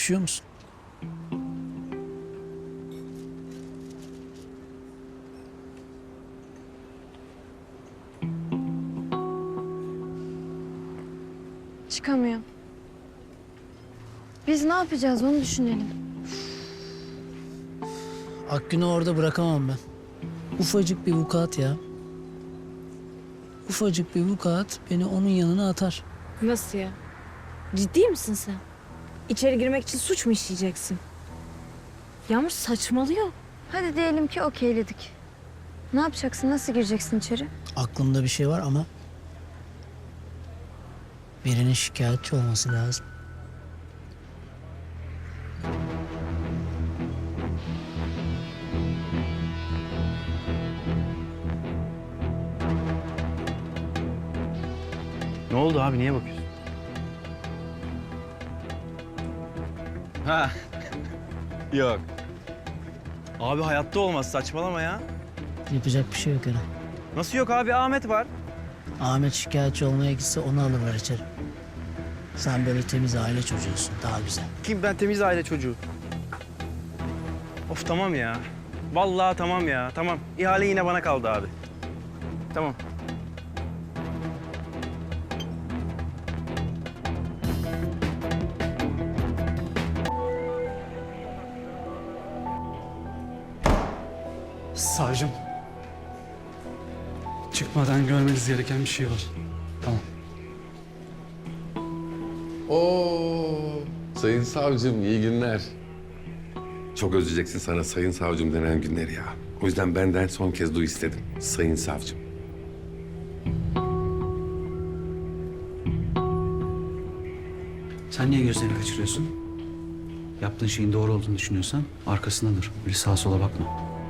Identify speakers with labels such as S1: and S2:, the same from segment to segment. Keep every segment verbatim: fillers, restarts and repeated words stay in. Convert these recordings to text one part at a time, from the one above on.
S1: Üşüyor musun?
S2: Çıkamıyor. Biz ne yapacağız onu düşünelim.
S1: Akgün'ü orada bırakamam ben. Ufacık bir vukuat ya. Ufacık bir vukuat beni onun yanına atar.
S3: Nasıl ya? Ciddi misin sen? İçeri girmek için suç mu işleyeceksin? Yağmur saçmalıyor.
S2: Hadi diyelim ki okeyledik. Ne yapacaksın? Nasıl gireceksin içeri?
S1: Aklımda bir şey var ama... birinin şikayetçi olması lazım.
S4: Ne oldu abi? Niye bakıyorsun? Ha. Yok. Abi hayatta olmaz. Saçmalama ya.
S1: Yapacak bir şey yok Eren.
S4: Nasıl yok abi? Ahmet var.
S1: Ahmet şikayetçi olmaya gitse onu alırlar içeri. Sen böyle temiz aile çocuğusun. Daha güzel.
S4: Kim? Ben temiz aile çocuğu. Of tamam ya. Vallahi tamam ya. Tamam. İhale yine bana kaldı abi. Tamam.
S5: Savcım. Çıkmadan görmeniz gereken bir şey var. Tamam.
S6: Oo, sayın savcım iyi günler. Çok özleyeceksin sana sayın savcım denen günleri ya. O yüzden benden son kez duy istedim. Sayın savcım.
S5: Sen niye gözlerini kaçırıyorsun? Yaptığın şeyin doğru olduğunu düşünüyorsan arkasında dur. Böyle sağa sola bakma.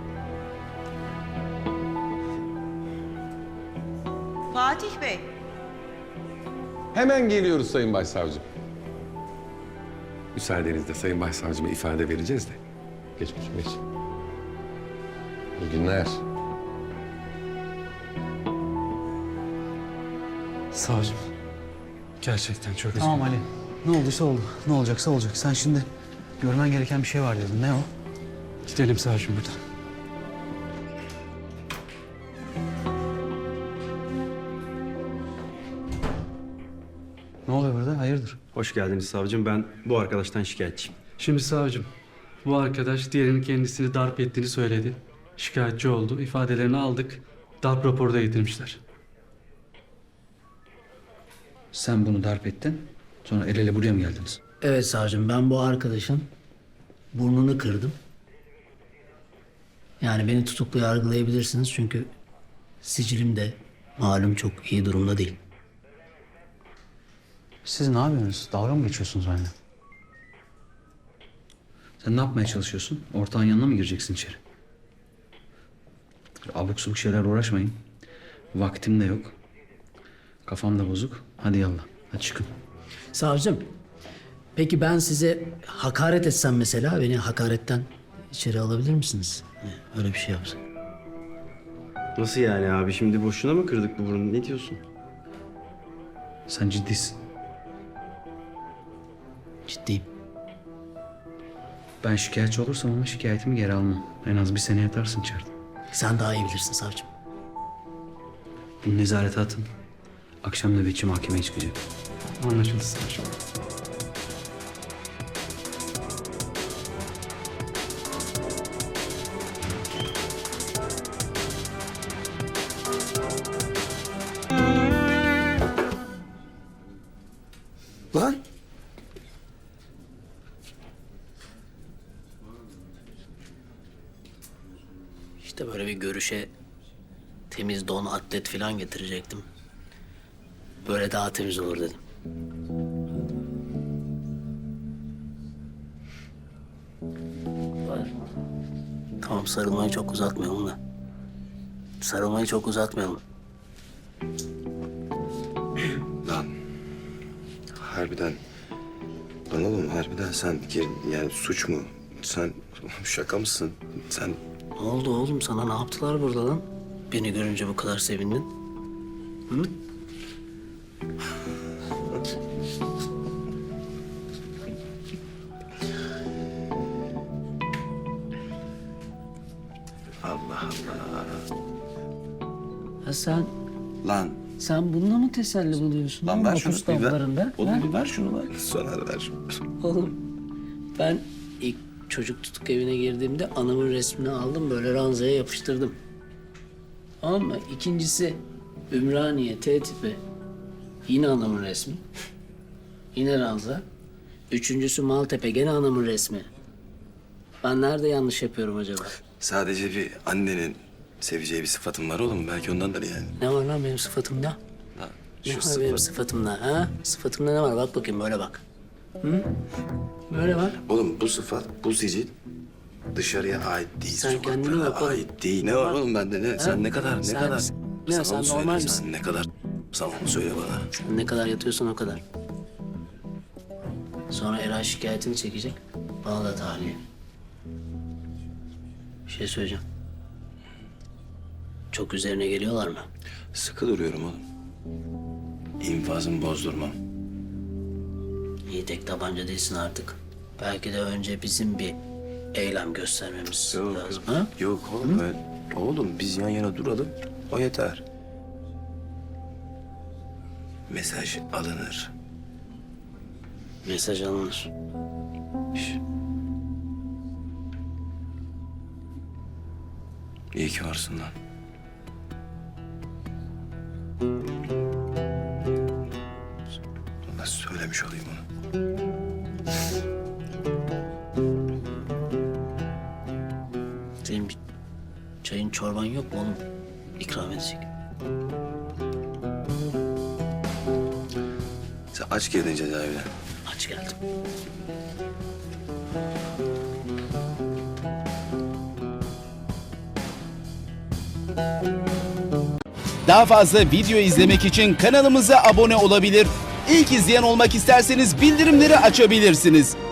S7: Fatih Bey,
S6: Hemen geliyoruz sayın başsavcım. Müsaadenizle sayın başsavcıma ifade vereceğiz de. Geç kuzum geç. İyi günler.
S5: Savcım. Gerçekten çok özür
S8: Tamam Ali. Ne olduysa oldu. Ne olacaksa olacak. Sen şimdi görmen gereken bir şey var dedin. Ne o?
S5: Gidelim savcım buradan.
S8: Ne oluyor burada? Hayırdır?
S4: Hoş geldiniz savcım. Ben bu arkadaştan şikayetçiyim.
S5: Şimdi savcım, bu arkadaş diğerinin kendisini darp ettiğini söyledi. Şikayetçi oldu. İfadelerini aldık. Darp raporu da getirmişler.
S8: Sen bunu darp ettin. Sonra el ele buraya mı geldiniz?
S1: Evet savcım, ben bu arkadaşın burnunu kırdım. Yani beni tutuklu yargılayabilirsiniz çünkü sicilim de malum çok iyi durumda değil.
S8: Siz ne yapıyorsunuz? Dalga mı geçiyorsunuz benimle? Sen ne yapmaya çalışıyorsun? Ortağın yanına mı gireceksin içeri? Abuk subuk şeyler uğraşmayın. Vaktim de yok. Kafam da bozuk. Hadi yallah. Hadi çıkın.
S1: Savcım, peki ben size hakaret etsem mesela, beni hakaretten içeri alabilir misiniz? Öyle bir şey yapsak.
S4: Nasıl yani abi? Şimdi boşuna mı kırdık bu burnu? Ne diyorsun?
S8: Sen ciddisin.
S1: Ciddiyim.
S8: Ben şikayetçi olursam ama şikayetimi geri almam. En az bir sene yatarsın içeride.
S1: Sen daha iyi bilirsin savcım.
S8: Bunu nezarete atın. Akşam nöbetçi mahkemeye çıkacak.
S5: Anlaşıldı savcım.
S6: Lan.
S1: İşte böyle bir görüşe temiz don, atlet falan getirecektim. Böyle daha temiz olur dedim. Tamam, sarılmayı çok uzatmayalım da. Sarılmayı çok uzatmayalım.
S9: Lan harbiden lan oğlum harbiden sen geri- yani suç mu? Sen şaka mısın? Sen
S1: Ne oldu oğlum, sana ne yaptılar burada lan? Beni görünce bu kadar sevindin. Hı? Ha sen,
S9: Lan.
S1: sen bununla mı teselli buluyorsun?
S9: Lan ver şunu.
S1: Mahpus
S9: Bir ver.
S1: damlarında,
S9: Oğlum
S1: ha?
S9: bir ver şunu lan. Soner ver şunu.
S1: Oğlum ben ilk çocuk tutuk evine girdiğimde anamın resmini aldım böyle ranzaya yapıştırdım. Tamam mı? İkincisi Ümraniye T tipi. Yine anamın resmi. Yine ranza. Üçüncüsü Maltepe gene anamın resmi. Ben nerede yanlış yapıyorum acaba?
S9: Sadece bir annenin seveceği bir sıfatın var oğlum. Belki ondandır yani.
S1: Ne var lan benim sıfatımda?
S9: Lan
S1: Ne
S9: şu
S1: var
S9: sıfat.
S1: benim sıfatımda ha? Sıfatımda ne var? Bak bakayım böyle bak. Hı? Böyle bak.
S9: Oğlum bu sıfat, bu sicil dışarıya ait değil.
S1: Sen kendine
S9: sokaklara
S1: bak oğlum.
S9: ait değil. Ne var oğlum bende ne? Sen ne kadar, ne
S1: Sen-
S9: kadar?
S1: ne,
S9: Sana
S1: sen
S9: onu söyle,
S1: normal
S9: sen
S1: misin?
S9: ne kadar? Sen onu söyle bana.
S1: Sen ne kadar yatıyorsan o kadar. Sonra Eray şikayetini çekecek. Bana da tahliye. Bir şey söyleyeceğim. Çok üzerine geliyorlar mı?
S9: Sıkı duruyorum oğlum. İnfazımı bozdurmam.
S1: İyi tek tabanca değilsin artık. Belki de önce bizim bir eylem göstermemiz
S9: Yok,
S1: lazım. Ha?
S9: Yok oğlum öyle. Oğlum biz yan yana duralım. O yeter. Mesaj alınır.
S1: Mesaj alınır.
S9: Şş. İyi ki varsın lan. Nasıl söylemiş olayım onu?
S1: Senin bir çayın çorban yok mu oğlum? İkram edecek.
S9: Sen aç girdin cezaevine.
S1: Aç geldim.
S10: Daha fazla video izlemek için kanalımıza abone olabilir. İlk izleyen olmak isterseniz bildirimleri açabilirsiniz.